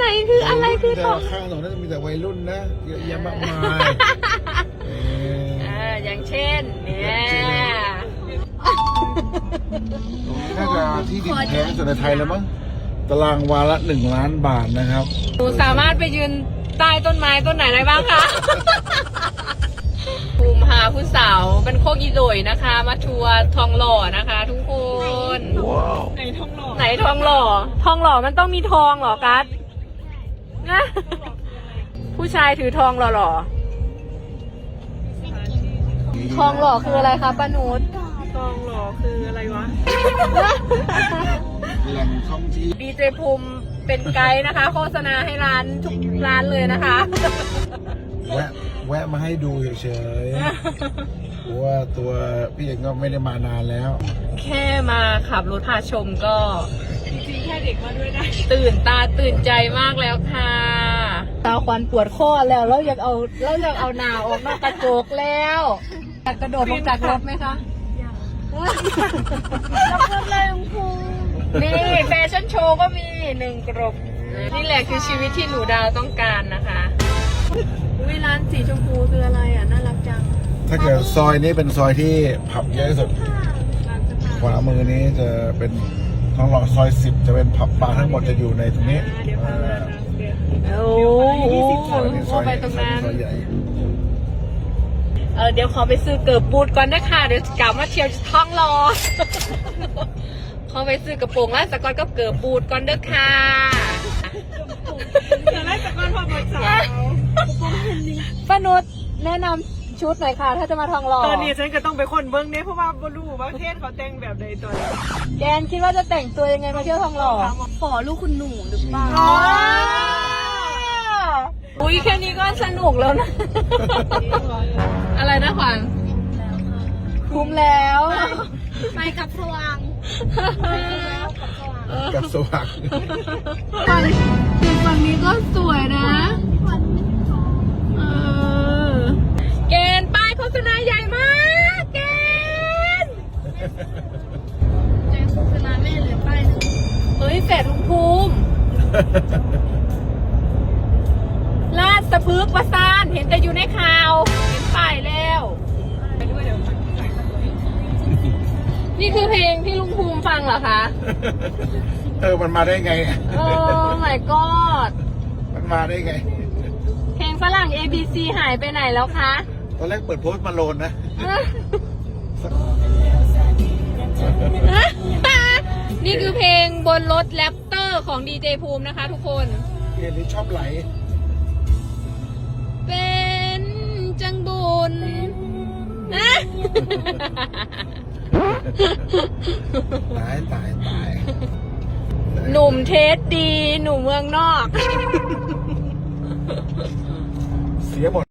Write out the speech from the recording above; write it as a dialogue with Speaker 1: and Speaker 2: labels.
Speaker 1: ไหนคืออะไรคือทอง
Speaker 2: ข้างถนนน่าจะมีแต่วัยรุ่นนะเยอะแยะมากมาย
Speaker 1: อย่างเช่นเนี่ย
Speaker 2: น่าจะที่ดินแพงที่สุดในไทยแล้วมั้งตารางวาละ1 ล้านบาทนะครับ
Speaker 1: หนูสามารถไปยืนใต้ต้นไม้ต้นไหนได้บ้างคะภูมิหาผู้สาวเป็นโคกอีโดยนะคะ มาทัวร์ทองหล่อนะคะ ทุกคนไหนทองหล่อไหนทองหล่อทองหล่อมันต้องมีทองเหรอกัสนะผู้ชายถือทองหล่อทองหล่อคืออะไรคะป้านุชทองหล่อคืออะไรวะ
Speaker 2: แหล่งท่องเที่ยว
Speaker 1: ดีเจภูมิเป็นไกด์นะคะ โฆษณาให้ร้านทุกร้านเลยนะคะ
Speaker 2: แวะมาให้ดูเฉยๆเพราะว่าตัวพี่เองก็ไม่ได้มานานแล้ว
Speaker 1: แค่มาขับรถพาชมก็
Speaker 3: จริงๆแค่เด็กมาด้วยได้
Speaker 1: ตื่นตาตื่นใจมากแล้วค่ะตาควันปวดข้อแล้วเราอยากเอาหนาออกนอกกระจกแล้วอยากกระโดดลงจากรถไหมคะแล้วก็เลยคูนี่แฟชั่นโชว์ก็มี1 กรบนี่แหละคือชีวิตที่หนูดาวต้องการนะคะวิร้านสีชมพูคืออะไรอ่ะน่ารักจัง
Speaker 2: ถ้าเกิดซอยนี้เป็นซอยที่ผับเยอะที่สุดขวามือนี้จะเป็นทองหล่อซอย 10จะเป็นผับบาร์ทั้งหมดจะอยู่ในตรงนี้
Speaker 1: โอ้โหไปตรงนั้น
Speaker 2: ซอยใหญ่
Speaker 1: เดี๋ยวขอไปซื้อเกิร์บบูทก่อนนะคะเดี๋ยวกลับมาเที่ยวท้องรอ ขอไปซื้อกระโปรงแล้วสกอตก็เกิร์บบูทก่อนเด้อค่ะ
Speaker 3: แต่แรกจากก้อนพอหมดสาว
Speaker 1: ป้านุชแนะนำชุดหน่อยค่ะ ถ้าจะมาทองรอ
Speaker 3: ตอนนี้ฉันก็ต้องไปคนเบิ้งเนี่ยเพราะว่าบรู้ว่าเทศเขาแต่งแบบใดตัวนี้
Speaker 1: แกนคิดว่าจะแต่งตัวยังไงมาเที่ยวทองหล่อ
Speaker 3: ขอลูกคุณหนูหรือเปล่า
Speaker 1: อุ้ยแค่นี้ก็สนุกแล้วนะ อะไรนะขวัญคุ้มแล้ว
Speaker 3: ไปกับสว่าง
Speaker 2: กับสว่าง
Speaker 1: ฝั่งนี้ก็สวยนะเกณฑ์ป้ายโฆษณาใหญ่มากเกณฑ์
Speaker 3: ในโฆษณาแม่เหลือป้ายนึง
Speaker 1: เฮ้ยแฝดลุงภูมิลาดสะพึกประสานเห็นแต่อยู่ในข่าวเห็นป้ายแล้วนี่คือเพลงที่ลุงภูมิฟังเหรอคะ
Speaker 2: มันมาได้ไง
Speaker 1: โอ้ my god
Speaker 2: มันมาได้ไง
Speaker 1: เพลงฝรั่ง ABC หายไปไหนแล้วคะ
Speaker 2: ตอนแรกเปิดโพสต์มาโลนนะ
Speaker 1: นี่คือเพลงบนรถแรปเตอร์ของดีเจภูมินะคะทุกคน
Speaker 2: เรียนนี้ชอบไหล
Speaker 1: เป็นจังบุญนะ
Speaker 2: ตาย
Speaker 1: หนุ่มเทสดี หนุ่มเมืองนอก
Speaker 2: เสียหมด